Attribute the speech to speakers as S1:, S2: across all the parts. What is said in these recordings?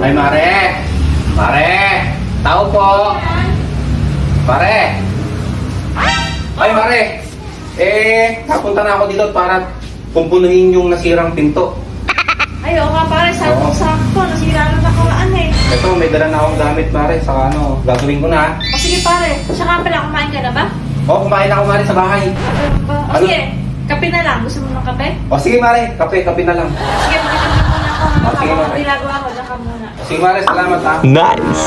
S1: Ay, Mare! Mare! Tao po! Mare! Ay, Mare! Napunta na ako dito para pumpunuhin yung nasirang pinto.
S2: Ay, oo nga pare, sakto. Nasira na nakaraan eh.
S1: Ito, may dala na akong gamit, Mare. Saka gagawin ko na.
S2: O sige pare, siya nga pala, kumain ka na ba?
S1: Oo, kumain ako, Mare, sa bahay.
S2: O
S1: Ano?
S2: sige, kape na lang. Gusto mo ng kape?
S1: O sige, Mare. Kape na lang.
S2: Sige, makikita muna ako.
S1: Sige,
S2: Ako
S1: Mare.
S2: ginagawa ko, dyan ka muna.
S1: Sige, Mare. Salamat, ha.
S3: Nice!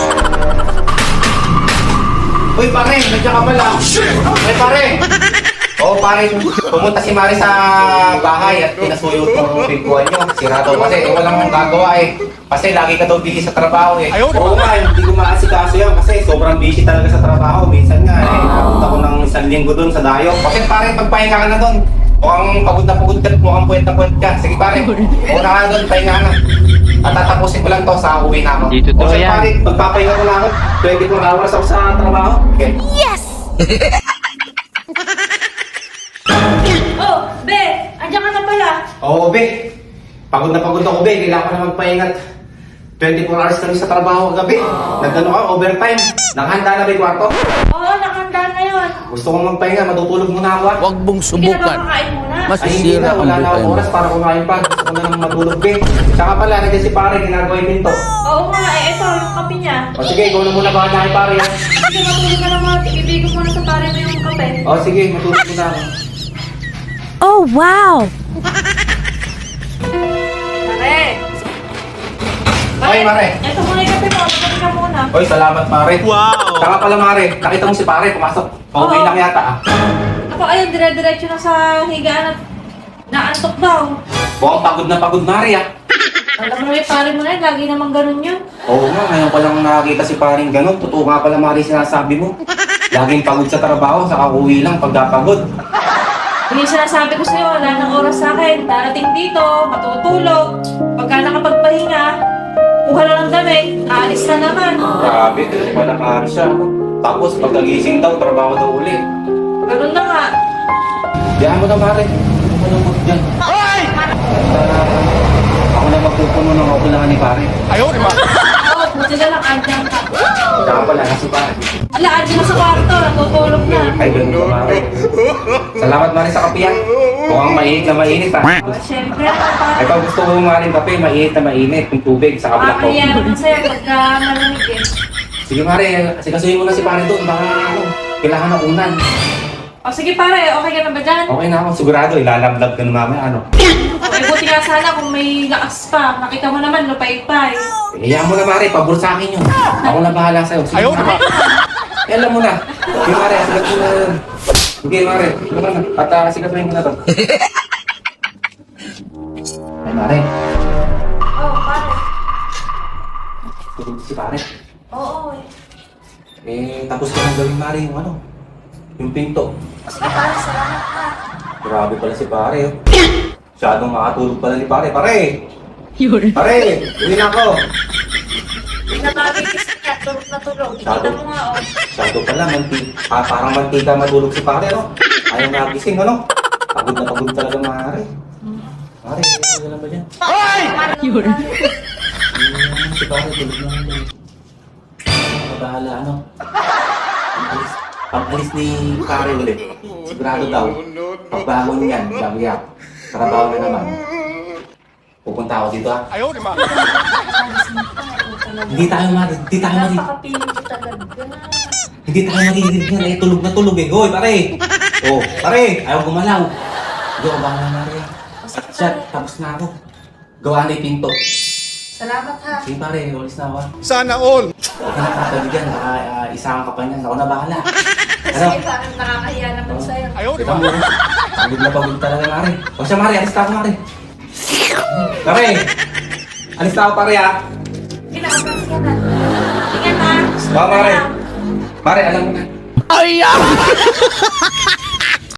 S1: Uy, pare, nandiyan ka pala. Uy, pare. Oo, pare, pumunta si Mari sa bahay at pinasuyo yung pintuan nyo. Sira daw kasi, walang gagawa eh. Kasi lagi ka daw busy sa trabaho eh. Oo nga, hindi ko maasikaso yan kasi sobrang busy talaga sa trabaho. Minsan nga eh, napunta ko ng 1 linggo dun sa dayo. Kasi pare, pagpahinga ka na dun. Mukhang pagod na pagod ka, mukhang puwet ka. Sige pare, una ka na dun, pahinga na. At tatapusin ko lang to sa uwi na ako.
S3: Dito to
S1: Kasi
S3: yan.
S1: pare, magpapahinga ko na ako. 24 hours ako sa trabaho. Okay.
S2: Oh, be! Andiyan ka na pala.
S1: Oo, be. Pagod na pagod ako, be. Kailangan ko na magpahingat. 24 hours kami sa trabaho kagabi. Nagano ka, overtime. Naghanda na ba yung kwarto?
S2: Oo, nakanda na yun.
S1: Gusto kong magpahinga, matutulog muna ako.
S3: Huwag mong
S2: Sige na ba
S3: subukan.
S2: makain muna?
S1: Ay, hindi
S3: Masisira
S1: na.
S3: ang
S1: Wala na akong
S3: buhay
S1: oras
S3: mo.
S1: para kumain pa. Gusto ko na lang matulog, be. Tsaka pala, nandiyan si pare, ginagawa yung pinto.
S2: Oo nga, ito, yung kape niya.
S1: O sige, ikaw na muna bahala kay pare. Ha?
S2: Sige, matulog ka na mga. Ibigay ko muna sa pare mo yung kape.
S1: O sige, matulog muna ako.
S4: Oh, wow!
S2: Pare!
S1: Ay, Mare.
S2: Ito muna yung kape mo. Magkape ka muna.
S1: Oy, salamat, pare. Wow! Tsaka pala, Mare, nakita mo si pare, pumasok. Okay
S2: Oo.
S1: lang yata, ah.
S2: Ako, ayun, dire-diretso na sa higaan at naantok daw.
S1: Mukhang pagod na pagod, Mare, ah.
S2: Alam mo yung pare mo na yun, lagi namang ganun yun.
S1: Oo nga, ngayon ko lang nakakita si paring ganun. Totoo nga pala, Mari, sinasabi mo. Laging pagod sa trabaho, saka uwi lang pagkapagod.
S2: Yung sinasabi ko sa'yo, wala nang oras sa akin. Darating dito, matutulog. Pagka nakapagpahinga, kuha na ng damit, aalis na naman.
S1: Grabe, malakari siya. Tapos pagkagising daw, trabaho daw ulit.
S2: Ganun na nga.
S1: Diyan mo na, Mari. Ano mo na mo dyan? Ako na magpupuno ng kakulangan ni pare.
S2: Oo, buti na lang, andyan ka.
S1: Saka pala na si pare.
S2: Ala, andyan na sa kwarto, natutulog na.
S1: Ay, ganun ka, Mari. Salamat, Mari, sa kapiyan. Mukhang mainit na mainit, ha.
S2: Oh, siyempre, pare.
S1: Ito gusto ko, Mari, kape, mainit na mainit. Yung tubig, saka black
S2: Makakahiya
S1: coffee.
S2: naman sa'yo pagka malamig eh.
S1: Sige, Mari, sikasuhin mo na si pare doon. Baka, kailangan ng unan.
S2: O sige pare, okay ka na ba dyan?
S1: Okay na ako, sigurado. Ilalablab ka na mamaya, ano.
S2: Okay, buti nga sana kung may lakas pa. Nakita mo naman, lupay-pay.
S1: Hayaan mo na, Mari. Pabor sa akin yun. Ako na bahala sa'yo. Sige, Mari. Alam mo na. Sige, Mari. Asigat mo na yun. Sige, Mari. Sige na. At asigatuhin ko na to. Ay, Mari.
S2: Oh, pare.
S1: Tulog si pare.
S2: Oo,
S1: Tapos ko nang gawin, Mari, yung ano. Yung pinto.
S2: Sige pare, salamat ha.
S1: Grabe pala si pare. Oh. Masyadong makatulog pala ni pare. Pare! Pare! Uwi na ako.
S2: Hindi na magigising ka, tulog na tulog. Ikita mo nga, oh.
S1: Masyado pala, parang mantika matulog si pare, no? Ayaw nagising, ano? Pagod na pagod talaga, Mare. Mare, ano lang ba dyan?
S2: Yun.
S1: Si pare, tulog na. Mabahala, ano? Pag-alis ni pare ulit. Sigurado daw. Pagbangon yan, sabi niya. Trabaho na naman. Pupunta ako dito, ha? Hindi tayo maririnig.
S2: Napakapiling ko talaga.
S1: Hindi tayo maririnig yan. Tulog na tulog eh. Hoy, pare! Oh, pare! Ayaw gumalaw. Hindi ako bahala na rin. At siya, tapos na ako. Gawa na yung pinto.
S2: Salamat ha.
S1: Sige pare, ulis na ako.
S3: Sana all!
S1: Huwag ka na kakabigyan. Isahan ka pa niyan. Ako na bahala.
S2: Sige, parang nakakahiya naman sa'yo.
S1: Kita mo. Pagod na pagod talaga, Mare. O siya, Mare. Alis na ako, Mare. Mare! Alis na ako, pare, ha?
S2: Kinakapas ka na. Ingat ha.
S1: Mare. Mare, alam mo na.
S3: Ay!